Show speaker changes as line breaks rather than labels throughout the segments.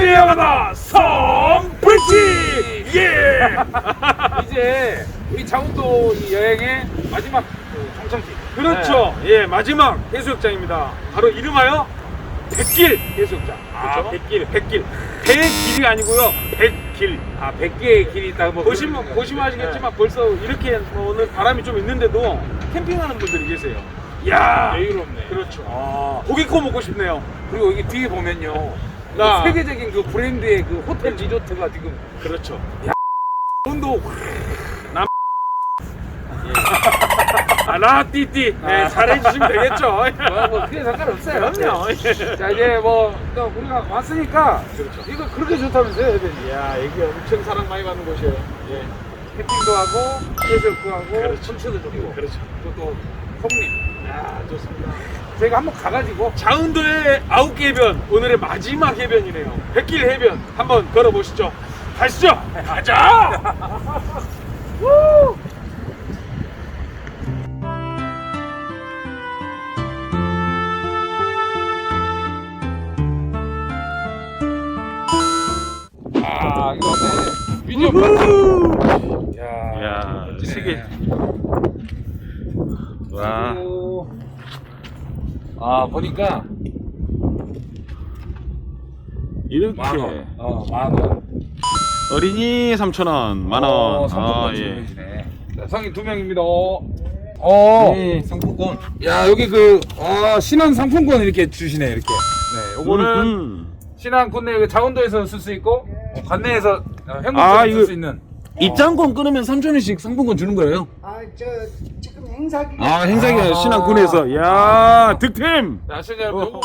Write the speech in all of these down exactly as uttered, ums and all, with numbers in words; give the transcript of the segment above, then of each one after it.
이어가다 성불지. 예.
이제 우리 장운도 이 여행의 마지막 그 정착지.
그렇죠.
네.
예, 마지막 해수욕장입니다. 바로 이름하여 백길 해수욕장. 아,
그렇죠?
백길, 백길. 배의 길이 아니고요, 백길.
아, 백 개의 길이 있다고 뭐
보시면
그런
보시면
거죠.
아시겠지만 벌써 이렇게 오는 바람이 좀 있는데도 캠핑하는 분들이 계세요. 야,
네. 여유롭네.
그렇죠.
아,
고기 구워 먹고 싶네요.
그리고 여기 뒤에 보면요.
나.
그 세계적인 그 브랜드의 그 호텔 리조트가 지금
그렇죠.
온도
아, 라띠띠. 네,
아.
잘해주시면 되겠죠.
뭐, 뭐 그게 상관없어요.
그럼요.
자 이제 뭐 또 우리가 왔으니까
그렇죠.
이거 그렇게 좋다면서요, 애들이.
야, 여기 엄청 사랑 많이 받는 곳이에요. 예.
캠핑도 하고 해수욕도 하고
그렇죠.
천체도 좋고
그렇죠.
또, 또 성림.
야, 좋습니다.
저희가 한번 가가지고
장운도의 아홉 개 해변, 오늘의 마지막 해변이네요. 백길 해변 한번 걸어보시죠. 가시죠. 가자. 우!
아 이거 네. 미디엄 파티. 야,
야,
멋지네.
세계. 와.
그리고 아 보니까
이렇게
만 원, 어, 만 원.
어린이 삼천 원, 만 원.
어,
아,
상품권
예.
주시네. 자, 성인 두 명입니다. 어,
네,
상품권. 야, 여기 그 아, 신한 상품권 이렇게 주시네, 이렇게. 네, 요거는
음,
신한 국내 여기 장원도에서 쓸 수 있고 어, 관내에서
아,
현금으로
이거-
쓸 수 있는.
입장권 끊으면 삼천 원씩 상품권 주는 거예요?
아, 저 지금 행사 기간
아, 행사기간
아.
신한군에서. 야, 득템.
자, 시청자 여러분, 요거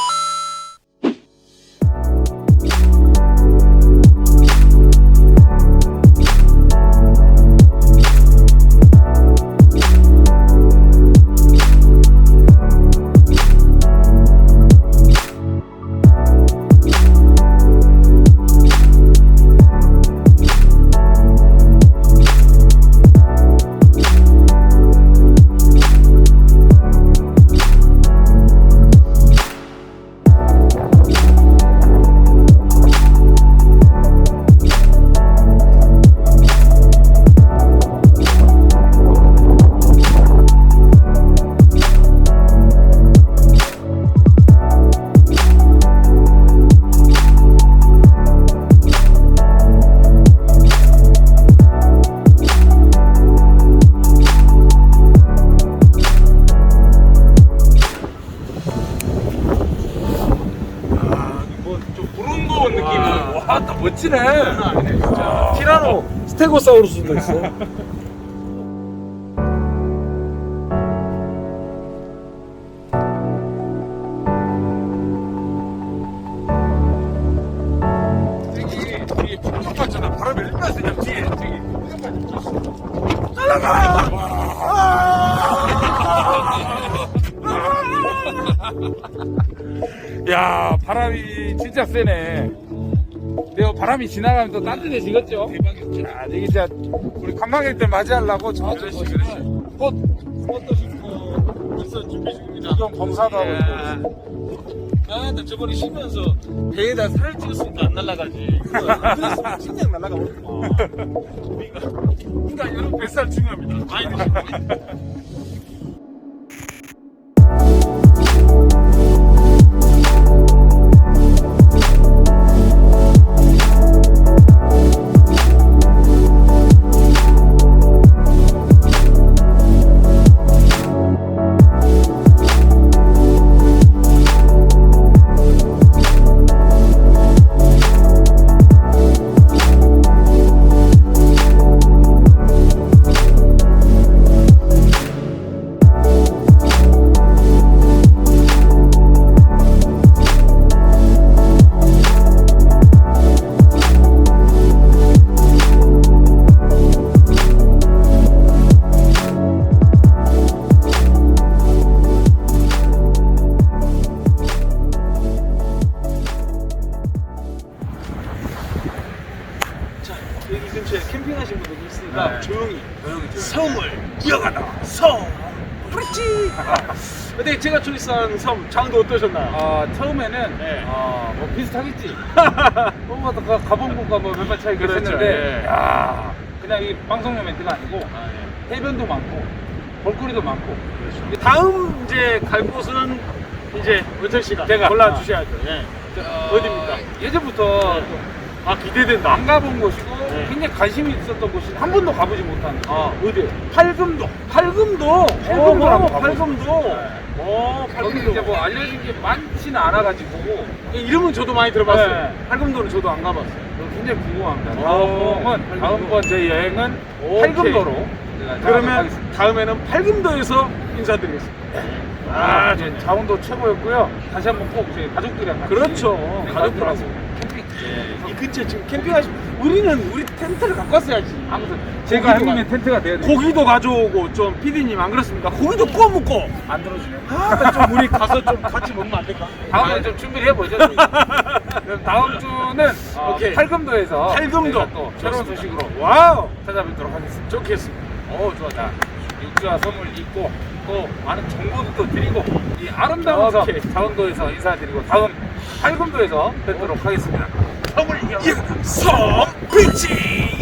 좀 부름고운 느낌.
와, 나 멋지네. 진짜. 티라노 스테고사우루스도 있어. 저기 뒤에 풍경 봤잖아. 바람이 얼마나 세냐 뒤에 저기 풍경 봤잖아. 야, 바람이 진짜 세네. 내가 바람이 지나가면 또 따뜻해지겠죠? 대박이었죠. 야, 이게 진짜 우리 관광객들 맞이하려고 저쪽 보시면 꽃, 꽃도 심고
벌써 준비 중입니다.
구경 검사도 하고
야.
있고.
아, 나 저번에 쉬면서 배에다 살을 찍었으니까 안 날아가지. 그랬으면 진작 날아가 버렸구만. 그러니까, 그러니까 여러분 뱃살 중요합니다. 많이 드시고. 여기 근처에 캠핑하신 분들이 있으니까
네.
조용히
조용히 조용히.
성을 이어가다 성 그렇지. 근데 제가 초이스한 섬 장도 어떠셨나요?
어, 처음에는
네.
어, 뭐 비슷하겠지. 뭐 가- 가본 곳과 뭐 몇만 차이가
그렇죠,
있었는데,
예.
야, 그냥 이 방송용 멘트가 아니고
아, 예.
해변도 많고 볼거리도 많고.
다음 이제 갈 곳은 이제 은철 씨가
제가.
골라 주셔야죠. 예.
어,
어디입니까?
예전부터
아 기대된다.
안 가본 곳이고
네.
굉장히 관심이 있었던 곳이 한 번도 가보지 못한 곳.
아.
어디요? 팔금도.
팔금도.
팔금도
어,
한번 가보고
팔금도.
싶어요.
어,
거기
팔금도.
이제 뭐 알려진 게 많지는 않아가지고
이 이름은 저도 많이 들어봤어요.
네.
팔금도는 저도 안 가봤어요.
굉장히 궁금합니다.
오,
다음은
팔금도.
다음번 저희 여행은
오케이.
팔금도로 제가
그러면
하겠습니다.
다음에는 팔금도에서 인사드리겠습니다.
아,
아,
이제 자원도 최고였고요. 다시 한번 꼭 저희 가족들이랑 같이
그렇죠.
네,
가족들하고.
캠핑.
이 근처에 지금 캠핑하시 우리는 우리 텐트를 갖고 왔어야지.
아무튼 제가
고기도
형님의
가-
텐트가 돼야 돼.
고기도 가져오고 좀 피디님 안 그렇습니까? 고기도 구워 먹고.
안 들어주네.
아, 좀 우리 가서 좀 같이 먹으면 안 될까?
다음에 좀 준비를 해보죠. 저희. 그럼 다음 주는 어,
오케이.
팔금도에서
팔금도.
저희가 또 새로운
좋습니다.
소식으로
와우.
찾아뵙도록 하겠습니다.
좋겠습니다.
어, 좋아. 자, 육지와 섬을 잇고 또 많은 정보도 또 드리고 이 아름다운 섬
오케이.
자원도에서 인사드리고 다음 팔금도에서 뵙도록 하겠습니다. 섬을 이어
섬 비치.